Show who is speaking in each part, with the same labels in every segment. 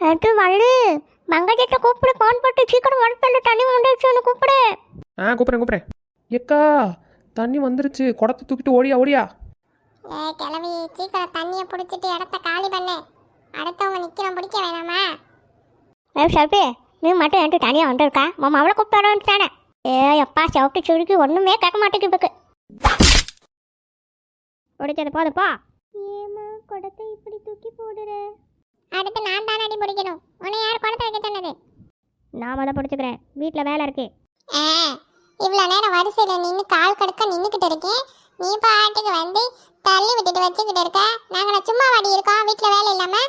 Speaker 1: அது வள்ளி மங்கஜத்தை கூப்பிடு, ஃபோன் போட்டு சீக்கிரம் வர சொல்லு, தண்ணி வந்துடுச்சு கூப்பிடு.
Speaker 2: கூப்பிட்றேன். எக்கா தண்ணி வந்துருச்சு, குடத்தை தூக்கிட்டு ஓடியா ஓடியா.
Speaker 3: கிளவி சீக்கிரம் தண்ணியை பிடிச்சிட்டு இடத்த காலி பண்ணு. அடுத்தவங்க நிற்கிறோம், பிடிக்க வேணாமா?
Speaker 1: சல்பி, நீ மட்டும் என்கிட்ட தனியாக வந்துருக்கா? மாமா அவளை கூப்பிட்டு வர வந்துட்டானே. அப்பா சவுட்டு சுருக்கி ஒன்றுமே கேட்க மாட்டேங்குது இப்போ. பிடிச்சது போதுப்பா.
Speaker 3: ஏமா குடத்தை இப்படி தூக்கி போடுற? அடுத்து நான் தான் அடி பிடிக்கணும். உன்னை யார் குடத்தை வைக்க சொன்னது?
Speaker 1: நான் அதை பிடிச்சிக்கிறேன், வீட்டில் வேலை இருக்கு.
Speaker 3: இவ்வளோ நேரம் வரிசையில் நின்று கால் கடுக்க நின்றுக்கிட்டு இருக்கேன். நீ பாட்டுக்கு வந்து தள்ளி விட்டுட்டு வச்சுக்கிட்டு இருக்க. நாங்கள் சும்மா வாடி இருக்கோம், வீட்டில் வேலை இல்லாமல்.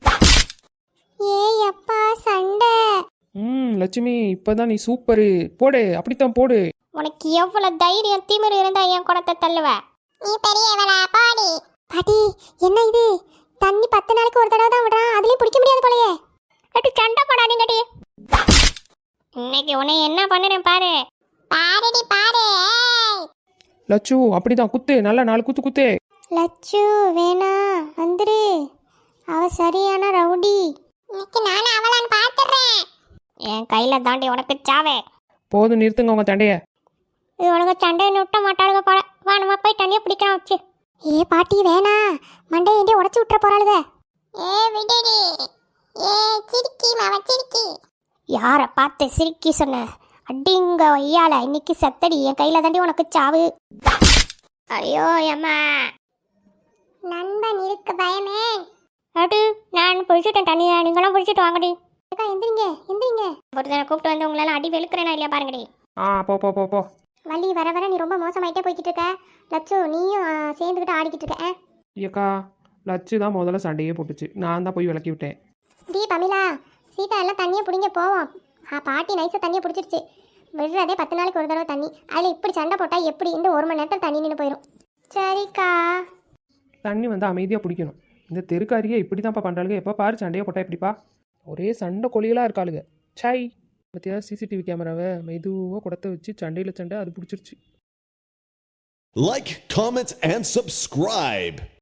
Speaker 3: ஏய் அப்பா சண்டை.
Speaker 2: லட்சுமி இப்போதான் நீ சூப்பரு, போடு அப்படித்தான் போடு.
Speaker 1: உனக்கு எவ்வளோ தைரியம் திமிரு இருந்தா என் குடத்தை தள்ளுவ?
Speaker 3: நீ பெரியவளா பாடி.
Speaker 1: பாட்டி என்ன இது? தண்ணி 10 நாளைக்கு ஒரு தடவை தான் விடுறான், அதுலயும் பிடிக்க முடியாது போலயே. கட்டி சண்டை போடாதீங்கடி. இன்னைக்கு உன்னை என்ன பண்ணுறேன் பாரு.
Speaker 3: பாருடி பாரு.
Speaker 2: லட்சு அப்படிதான் குத்து, நல்லா 4 குத்து குத்து.
Speaker 1: லட்சு வேணா வந்துரு, அவ சரியான ரவுடி.
Speaker 3: இன்னைக்கு நானும் அவளான்னு பார்த்துடுறேன்.
Speaker 1: என் கையில தாண்டி உனக்கு சாவே.
Speaker 2: போதும் நிறுத்துங்க உங்க தண்டைய.
Speaker 1: இது உனக்கு சண்டையை விட்ட மாட்டாளுங்க போல. வா நம்ம போய் தண்ணியை பிடிக்கலாம் வச்சு. ஏ பாட்டி வேணா, மண்டையை ஏண்டி உடச்சி விட்டுற போறாளுக.
Speaker 3: விடுடி. சிரிக்கி மாவ சிரிக்கி.
Speaker 1: யாரை பார்த்து சிரிக்கி சொன்ன? அடிங்க ஐயால, இன்னைக்கு செத்தடி, என் கையில தாண்டி உனக்கு சாவு. ஐயோ அம்மா.
Speaker 3: நண்பன் இருக்கு பயமே.
Speaker 1: அடு நான் பிடிச்சிட்டேன் தண்ணியை, நீங்களும் பிடிச்சிட்டு வாங்கடி.
Speaker 3: எந்திரிங்க எந்திரிங்க.
Speaker 1: ஒருத்தனை கூப்பிட்டு வந்து உங்களால அடி வெளுக்கிறேனா இல்லையா பாருங்கடி.
Speaker 2: போ போ போ போ.
Speaker 3: வள்ளி வர வர நீ ரொம்ப மோசமாயிட்டே போய்கிட்டு இருக்க. லட்சு நீயும் சேர்ந்துக்கிட்டு ஆடிக்கிட்டு இருக்க.
Speaker 2: ஏக்கா லட்சு தான் முதல்ல சண்டையே போட்டுச்சு, நான் தான் போய் விளக்கி விட்டேன்.
Speaker 3: டி பமிலா, சீதா எல்லாம் தண்ணியை பிடிங்க போவோம். பாட்டி நைஸாக தண்ணியை பிடிச்சிருச்சு. விடுறதே 10 நாளைக்கு ஒரு தடவை தண்ணி. அதில் இப்படி சண்டை போட்டால் எப்படி? இந்த 1 மணி நேரத்தில் தண்ணி நின்று போயிடும். சரிக்கா.
Speaker 2: தண்ணி வந்து அமைதியாக பிடிக்கணும். இந்த தெருக்காரியே இப்படி தான்ப்பா பண்ணுறாளுங்க, எப்போ பாரு சண்டையை போட்டா எப்படிப்பா? ஒரே சண்டை கொலிகளாக இருக்காளுங்க. சாய் பற்றியா சிசிடிவி கேமராவை மெதுவாக குடத்தை வச்சு சண்டையில் சண்டை அது பிடிச்சிருச்சு.
Speaker 4: Like, comment, and subscribe.